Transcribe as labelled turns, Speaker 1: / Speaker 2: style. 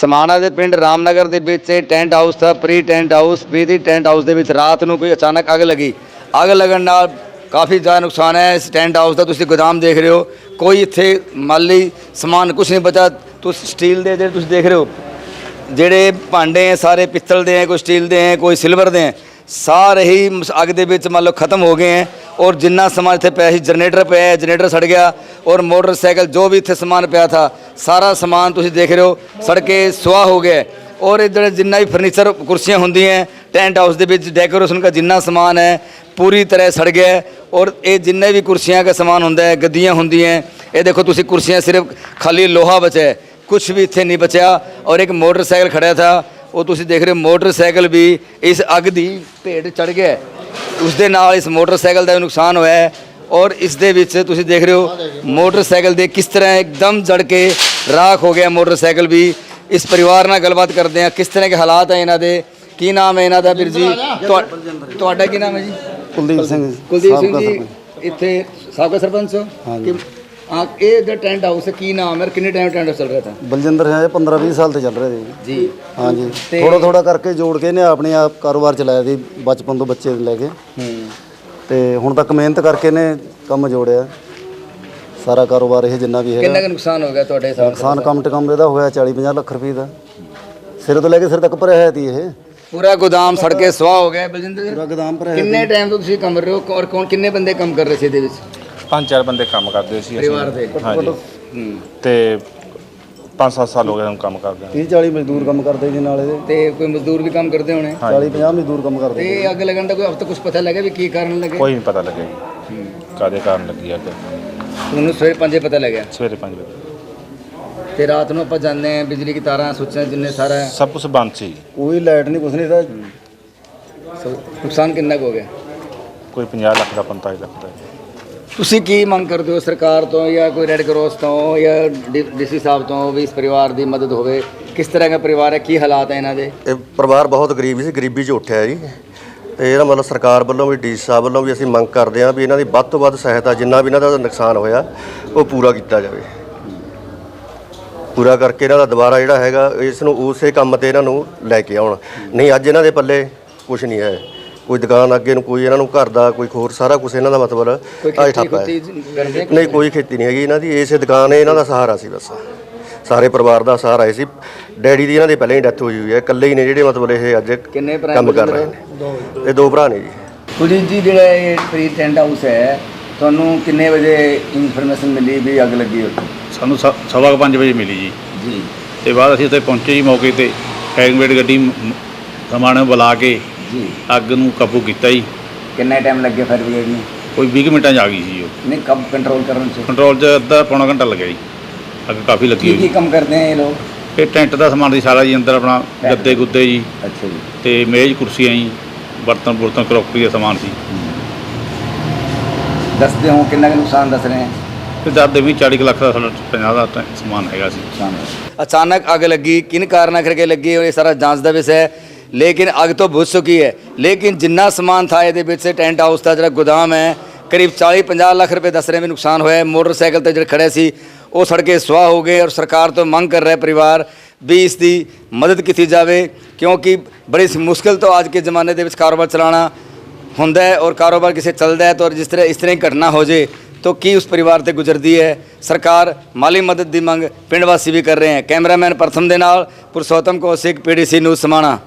Speaker 1: ਸਮਾਣਾ ਦੇ ਪਿੰਡ ਰਾਮਨਗਰ ਦੇ ਵਿੱਚ ਇਹ ਟੈਂਟ ਹਾਊਸ था pre tent house. Pre tent house ਦੇ ਵਿੱਚ ਰਾਤ ਨੂੰ ਕੋਈ ਅਚਾਨਕ ਅੱਗ ਲੱਗੀ। ਅੱਗ ਲੱਗਣ ਨਾਲ ਕਾਫੀ ਜ਼ਿਆਦਾ ਨੁਕਸਾਨ ਹੈ ਇਸ ਟੈਂਟ ਹਾਊਸ ਦਾ। ਤੁਸੀਂ ਗੋਦਾਮ ਦੇਖ ਰਹੇ ਹੋ, ਕੋਈ ਇੱਥੇ ਮਾਲੀ ਸਮਾਨ ਕੁਛ ਨਹੀਂ ਬਚਾ। ਤੁਸੀਂ ਸਟੀਲ ਦੇ ਜਿਹੜੇ ਤੁਸੀਂ ਦੇਖ ਰਹੇ ਹੋ ਜਿਹੜੇ ਭਾਂਡੇ ਹੈ ਸਾਰੇ ਪਿੱਤਲ ਦੇ ਹੈ, ਕੋਈ ਸਟੀਲ ਦੇ ਹੈ, ਕੋਈ ਸਿਲਵਰ ਦੇ ਹੈ, ਸਾਰੇ ਹੀ ਅੱਗ ਦੇ ਵਿੱਚ ਮੰਨ ਲਓ ਖਤਮ ਹੋ ਗਏ ਹੈ। और जिन्ना समान इतने पे जनरेटर पे है, जनरेटर सड़ गया और मोटरसाइकिल जो भी इतने समान पिया था सारा समान तुम देख रहे हो सड़ के सुहा हो गया। और इधर जिन्ना भी फर्नीचर कुर्सियाँ होंगी हैं टेंट हाउस के डेकोरेशन का जिन्ना समान है पूरी तरह सड़ गया। और ये जिन्ने भी कुर्सियाँ का समान होंगे है, गद्दियाँ होंगी हैं, ये देखो तुम कुर्सियाँ सिर्फ खाली लोहा बचा है, कुछ भी इतने नहीं बचा। और एक मोटरसाइकिल खड़ा था वो तुम देख रहे हो मोटरसाइकिल भी इस अग की भेट चढ़ गया। ਉਸ ਦੇ ਨਾਲ ਇਸ ਮੋਟਰਸਾਈਕਲ ਦਾ ਨੁਕਸਾਨ ਹੋਇਆ ਹੈ। ਔਰ ਇਸ ਦੇ ਵਿੱਚ ਤੁਸੀਂ ਦੇਖ ਰਹੇ ਹੋ ਮੋਟਰਸਾਈਕਲ ਦੇ ਕਿਸ ਤਰ੍ਹਾਂ ਇੱਕਦਮ ਜੜ ਕੇ ਰਾਖ ਹੋ ਗਿਆ ਮੋਟਰਸਾਈਕਲ ਵੀ। ਇਸ ਪਰਿਵਾਰ ਨਾਲ ਗੱਲਬਾਤ ਕਰਦੇ ਹਾਂ ਕਿਸ ਤਰ੍ਹਾਂ ਦੇ ਹਾਲਾਤ ਹੈ ਇਹਨਾਂ ਦੇ। ਕੀ ਨਾਮ ਹੈ ਇਹਨਾਂ ਦਾ ਵੀਰ ਜੀ? ਤੁਹਾਡਾ ਕੀ ਨਾਮ ਹੈ ਜੀ?
Speaker 2: ਕੁਲਦੀਪ ਸਿੰਘ।
Speaker 1: ਕੁਲਦੀਪ ਸਿੰਘ ਜੀ ਇੱਥੇ ਸਾਬਕਾ ਸਰਪੰਚ ਹੋ? ਹਾਂਜੀ। हाँ, ये जो टेंट हाउस है की नाम है, कितने टाइम टेंट हाउस चल रहा था?
Speaker 2: बलजिंदर है 15-20 साल से चल रहे थे
Speaker 1: जी।
Speaker 2: हाँ जी, थोड़ा थोड़ा करके जोड़ के ने अपने आप कारोबार चलाया थी बचपन तो बच्चे लेके ते हुण तक मेहनत करके ने कम जोड़िया सारा कारोबार ये जिन्ना भी है।
Speaker 1: कितना नुकसान हो गया ਤੁਹਾਡੇ ਹਿਸਾਬ?
Speaker 2: नुकसान कम से कम ਇਹਦਾ ਹੋਇਆ 40-50 ਲੱਖ ਰੁਪਏ ਦਾ। ਸਿਰ ਤੋਂ ਲੈ ਕੇ ਸਿਰ ਤੱਕ ਭਰਿਆ ਹੈ ਤੀ ਇਹ
Speaker 1: पूरा गोदाम सड़ के सुहा हो गया। बलजिंदर
Speaker 2: ਪੂਰਾ ਗੋਦਾਮ ਭਰਿਆ।
Speaker 1: किन्ने टाइम तो ਤੁਸੀਂ ਕੰਮ ਕਰ ਰਹੇ ਹੋ और कौन किन्ने बंदे काम कर रहे थे ਇਹਦੇ ਵਿੱਚ?
Speaker 3: 5-4 ਬੰਦੇ ਕੰਮ ਕਰਦੇ ਸੀ
Speaker 1: ਪਰਿਵਾਰ ਦੇ।
Speaker 3: ਹਾਂਜੀ ਤੇ 5-7 ਸਾਲ ਹੋ ਗਏ ਹੁਣ ਕੰਮ ਕਰਦੇ
Speaker 2: 30-40 ਮਜ਼ਦੂਰ ਕੰਮ ਕਰਦੇ ਜੀ ਨਾਲ ਇਹਦੇ
Speaker 1: ਤੇ ਕੋਈ ਮਜ਼ਦੂਰ ਵੀ ਕੰਮ ਕਰਦੇ ਹੋਣੇ?
Speaker 2: 40-50 ਮਜ਼ਦੂਰ ਕੰਮ ਕਰਦੇ।
Speaker 1: ਤੇ ਅੱਗ ਲੱਗਣ ਦਾ ਕੋਈ ਹਫਤਾ ਕੁਝ ਪਤਾ ਲੱਗਾ ਵੀ ਕੀ ਕਾਰਨ ਲੱਗੇ?
Speaker 3: ਕੋਈ ਨਹੀਂ ਪਤਾ ਲੱਗਿਆ ਜੀ ਕਾਹਦੇ ਕਾਰਨ ਲੱਗੀ ਅੱਗ।
Speaker 1: ਤੁਹਾਨੂੰ ਸਵੇਰੇ 5 ਵਜੇ ਪਤਾ ਲੱਗਿਆ?
Speaker 3: ਸਵੇਰੇ 5 ਵਜੇ
Speaker 1: ਤੇ ਰਾਤ ਨੂੰ ਆਪਾਂ ਜਾਂਦੇ ਹਾਂ ਬਿਜਲੀ ਦੀ ਤਾਰਾਂ ਸੁੱਚਾਂ ਜਿੰਨੇ ਸਾਰਾ
Speaker 3: ਸਭ ਕੁਝ ਬੰਦ ਸੀ।
Speaker 2: ਕੋਈ ਲਾਈਟ ਨਹੀਂ ਕੁਛ ਨਹੀਂ ਤਾਂ
Speaker 1: ਨੁਕਸਾਨ ਕਿੰਨਾ ਕੁ ਹੋ ਗਿਆ?
Speaker 3: ਕੋਈ 50 ਲੱਖ ਦਾ 45 ਲੱਖ ਦਾ।
Speaker 1: ਤੁਸੀਂ ਕੀ ਮੰਗ ਕਰਦੇ ਹੋ ਸਰਕਾਰ ਤੋਂ ਜਾਂ ਕੋਈ ਰੈੱਡ ਕਰਾਸ ਤੋਂ ਜਾਂ ਡੀਸੀ ਸਾਹਿਬ ਤੋਂ ਵੀ ਇਸ ਪਰਿਵਾਰ ਦੀ ਮਦਦ ਹੋਵੇ? ਕਿਸ ਤਰ੍ਹਾਂ ਦਾ ਪਰਿਵਾਰ ਹੈ, ਕੀ ਹਾਲਾਤ ਹੈ ਇਹਨਾਂ ਦੇ?
Speaker 4: ਇਹ ਪਰਿਵਾਰ ਬਹੁਤ ਗਰੀਬ ਸੀ, ਗਰੀਬੀ 'ਚ ਉੱਠਿਆ ਜੀ। ਤੇ ਇਹਦਾ ਮਤਲਬ ਸਰਕਾਰ ਵੱਲੋਂ ਵੀ ਡੀਸੀ ਸਾਹਿਬ ਵੱਲੋਂ ਵੀ ਅਸੀਂ ਮੰਗ ਕਰਦੇ ਹਾਂ ਵੀ ਇਹਨਾਂ ਦੀ ਵੱਧ ਤੋਂ ਵੱਧ ਸਹਾਇਤਾ ਜਿੰਨਾ ਵੀ ਇਹਨਾਂ ਦਾ ਨੁਕਸਾਨ ਹੋਇਆ ਉਹ ਪੂਰਾ ਕੀਤਾ ਜਾਵੇ। ਪੂਰਾ ਕਰਕੇ ਇਹਨਾਂ ਦਾ ਦੁਬਾਰਾ ਜਿਹੜਾ ਹੈਗਾ ਇਸ ਨੂੰ ਉਸੇ ਕੰਮ ਤੇ ਇਹਨਾਂ ਨੂੰ ਲੈ ਕੇ ਆਉਣ। ਨਹੀਂ ਅੱਜ ਇਹਨਾਂ ਦੇ ਪੱਲੇ ਕੁਝ ਨਹੀਂ ਹੈ, ਕੋਈ ਦੁਕਾਨ ਅੱਗੇ ਨੂੰ ਕੋਈ ਇਹਨਾਂ ਨੂੰ ਘਰ ਦਾ ਕੋਈ ਹੋਰ ਸਾਰਾ ਕੁਝ ਇਹਨਾਂ ਦਾ ਮਤਲਬ ਅੱਜ ਠੱਪ ਹੈ। ਨਹੀਂ ਕੋਈ ਖੇਤੀ ਨਹੀਂ ਹੈਗੀ ਇਹਨਾਂ ਦੀ, ਇਸੇ ਦੁਕਾਨ ਇਹਨਾਂ ਦਾ ਸਹਾਰਾ ਸੀ ਬਸ। ਸਾਰੇ ਪਰਿਵਾਰ ਦਾ ਸਹਾਰਾ ਇਹ ਸੀ। ਡੈਡੀ ਦੀ ਇਹਨਾਂ ਦੇ ਪਹਿਲਾਂ ਹੀ ਡੈਥ ਹੋਈ ਹੋਈ ਹੈ, ਇਕੱਲੇ ਹੀ ਨੇ ਜਿਹੜੇ ਮਤਲਬ ਇਹ ਅੱਜ ਕੰਮ ਕਰ ਰਹੇ ਨੇ। ਇਹ 2 ਭਰਾ ਨੇ ਜੀ।
Speaker 1: ਕੁਲਜੀਤ ਜੀ ਜਿਹੜਾ ਇਹ ਪ੍ਰੀ ਟੈਂਟ ਹਾਊਸ ਹੈ ਤੁਹਾਨੂੰ ਕਿੰਨੇ ਵਜੇ ਇਨਫੋਰਮੇਸ਼ਨ ਮਿਲੀ ਵੀ ਅੱਗ ਲੱਗੀ ਉੱਥੇ?
Speaker 5: ਸਾਨੂੰ 5:15 ਵਜੇ ਮਿਲੀ ਜੀ।
Speaker 1: ਜੀ।
Speaker 5: ਤੇ ਬਾਅਦ ਅਸੀਂ ਉੱਥੇ ਪਹੁੰਚੇ ਜੀ ਮੌਕੇ ਤੇ ਫਾਇਰ ਬ੍ਰਿਗੇਡ ਗੱਡੀ ਸਮਾਨ ਬੁਲਾ ਕੇ
Speaker 1: ਜੀ
Speaker 5: ਅੱਗ ਨੂੰ ਕਾਬੂ ਕੀਤਾ ਜੀ।
Speaker 1: ਕਿੰਨਾ ਟਾਈਮ ਲੱਗਿਆ ਫਾਇਰ ਬ੍ਰਿਗੇਡ ਨੂੰ?
Speaker 5: ਕੋਈ 20 ਮਿੰਟਾਂ 'ਚ ਆ ਗਈ ਸੀ ਉਹ।
Speaker 1: ਨਹੀਂ ਕਬ ਕੰਟਰੋਲ ਕਰਨ 'ਚ?
Speaker 5: ਕੰਟਰੋਲ 'ਚ ਅੱਧਾ ਪੌਣਾ ਘੰਟਾ ਲੱਗਿਆ ਜੀ। ਅੱਗ ਕਾਫੀ ਲੱਗੀ
Speaker 1: ਕੀ
Speaker 5: ਹੋਈ।
Speaker 1: ਕੰਮ ਕਰਦੇ ਆ ਇਹ ਲੋਕ?
Speaker 5: ਇਹ ਟੈਂਟ ਦਾ ਸਮਾਨ ਸੀ ਸਾਰਾ ਜੀ, ਅੰਦਰ ਆਪਣਾ ਗੱਦੇ ਗੁੱਦੇ ਜੀ
Speaker 1: ਅੱਛਾ ਜੀ।
Speaker 5: ਤੇ ਮੇਜ਼ ਕੁਰਸੀਆਂ ਜੀ, ਬਰਤਨ ਕਰੋਕਰੀ ਦਾ ਸਮਾਨ ਸੀ।
Speaker 1: ਦੱਸਦੇ ਹੋ ਕਿੰਨਾ ਕੁ ਨੁਕਸਾਨ ਦੱਸ ਰਹੇ ਹੈ?
Speaker 5: ਤੇ ਦੱਸਦੇ ਵੀ 40 ਲੱਖ ਦਾ ਸਾਡਾ 50 ਦਾ ਸਮਾਨ ਹੈਗਾ ਸੀ।
Speaker 1: अचानक आग लगी, किन कारणों करके लगी और ये सारा जांच का विषय है। लेकिन अग तो बुझ चुकी है, लेकिन जिन्ना समान था ये टेंट हाउस का जो गोदाम है करीब 40-50 लाख रुपए दस रहे में नुकसान होया। मोटरसाइकिल तो जो खड़े सी वो सड़के सुहा हो गए। और सरकार तो मंग कर रहा है परिवार भी इसकी मदद की जाए, क्योंकि बड़ी मुश्किल तो अज के जमाने के कारोबार चलाना होंदा है। और कारोबार किसी चलता है तो जिस तरह इस तरह की घटना हो जाए तो की उस परिवार से गुजरती है। सरकार माली मदद की मंग पिंड वासी भी कर रहे हैं। कैमरामैन प्रथम दे नाल पुरुषोत्तम कौशिक, PDC न्यूज़ समाणा।